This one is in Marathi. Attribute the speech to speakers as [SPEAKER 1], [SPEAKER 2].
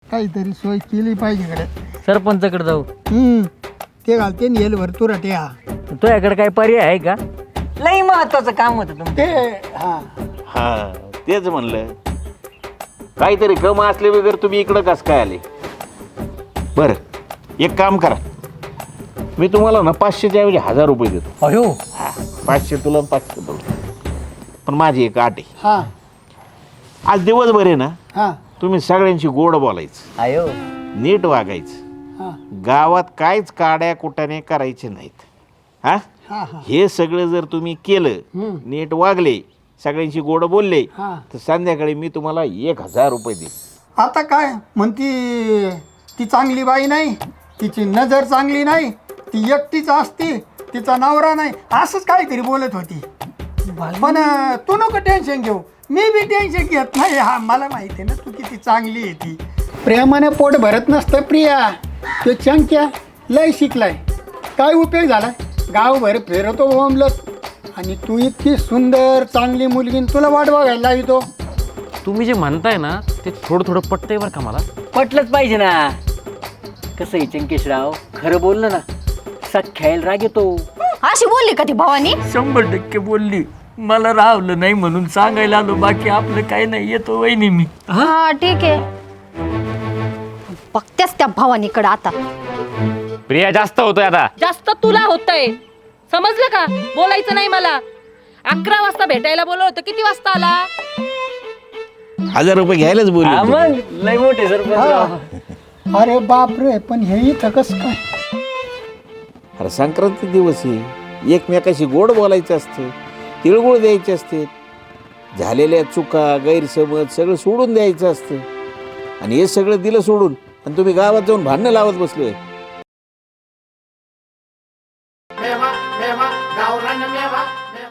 [SPEAKER 1] काहीतरी सोय केली पाहिजे कडे.
[SPEAKER 2] सरपंचाकडे जाऊ.
[SPEAKER 1] ते घालते नेल भरतुरा ते हा
[SPEAKER 2] तुझ्याकडे काय पर्याय आहे का? लई महत्वाचं काम होतं तुमचं.
[SPEAKER 1] ते हा
[SPEAKER 3] हा तेच म्हणलं काहीतरी कम असले वगैरे तुम्ही इकडं कसं काय आले. बरं एक काम करा मी तुम्हाला ना 500च्या ऐवजी 1000 रुपये देतो.
[SPEAKER 2] अयो
[SPEAKER 3] 500 तुला 500 तुला. पण माझी एक आट आहे.
[SPEAKER 1] हा
[SPEAKER 3] आज दिवसभर आहे ना
[SPEAKER 1] हा
[SPEAKER 3] तुम्ही सगळ्यांशी गोड बोलायचं
[SPEAKER 2] अयो
[SPEAKER 3] नीट वागायचं.
[SPEAKER 1] हा
[SPEAKER 3] गावात काहीच काड्या कुटाने करायचे नाहीत. हा
[SPEAKER 1] हा हा
[SPEAKER 3] हे सगळं जर तुम्ही केलं नीट वागले सगळ्यांशी गोड बोलले
[SPEAKER 1] हा.
[SPEAKER 3] तर संध्याकाळी मी तुम्हाला 1000 रुपये देईन.
[SPEAKER 1] आता काय म्हणती ती चांगली बाई नाही, तिची नजर चांगली नाही, ती एकटीच असते, तिचा नवरा नाही, असंच काहीतरी बोलत होती. पण तू नको टेन्शन घेऊ, मी बी टेन्शन घेत नाही. हा मला माहिती आहे ना तू किती चांगली आहे ती. प्रेमाने पोट भरत नसतं प्रिया. तो चंक्या लय शिकलाय, काय उपयोग झाला, गावभर फिरतो बोंबलत, आणि तू इतकी सुंदर चांगली मुलगी तुला वाट बघायला लावितो.
[SPEAKER 4] तुम्ही जे म्हणताय ना ते थोडं थोडं पटतंय बरं का मला.
[SPEAKER 2] पटलंच पाहिजे ना. कसं आहे चंकेशराव, खरं बोललं ना सख्याला राग येतो.
[SPEAKER 5] अशी बोलली का ती भवानी?
[SPEAKER 2] 100% बोलली. मला राहलं नाही म्हणून सांगायला आलो, बाकी आपलं काही नाही. येतो वहिनी मी.
[SPEAKER 5] हा ठीक आहे, बघतेस त्या भवानीकडे आता.
[SPEAKER 4] प्रिया जास्त होतोय आता.
[SPEAKER 6] जास्त तुला होतंय, समजलं का? बोलायचं नाही मला. 11 वाजता भेटायला बोलवलं होतं, किती वाजता आला?
[SPEAKER 3] 1000 रुपये घ्यायलाच
[SPEAKER 2] हा
[SPEAKER 3] बोलले.
[SPEAKER 2] मग लय मोठे सरपंच.
[SPEAKER 1] अरे बाप रे, पण हे इथं कसं काय?
[SPEAKER 3] अरे संक्रांती दिवस आहे, एकमेकाशी गोड बोलायचं असतं, तिळगुळ द्यायचे असते, झालेल्या चुका गैरसमज सगळं सोडून द्यायचं असतं. आणि हे सगळं दिलं सोडून आणि तुम्ही गावात जाऊन भांडणं लावत बसले.
[SPEAKER 1] मेवा मेवा गावरान मेवा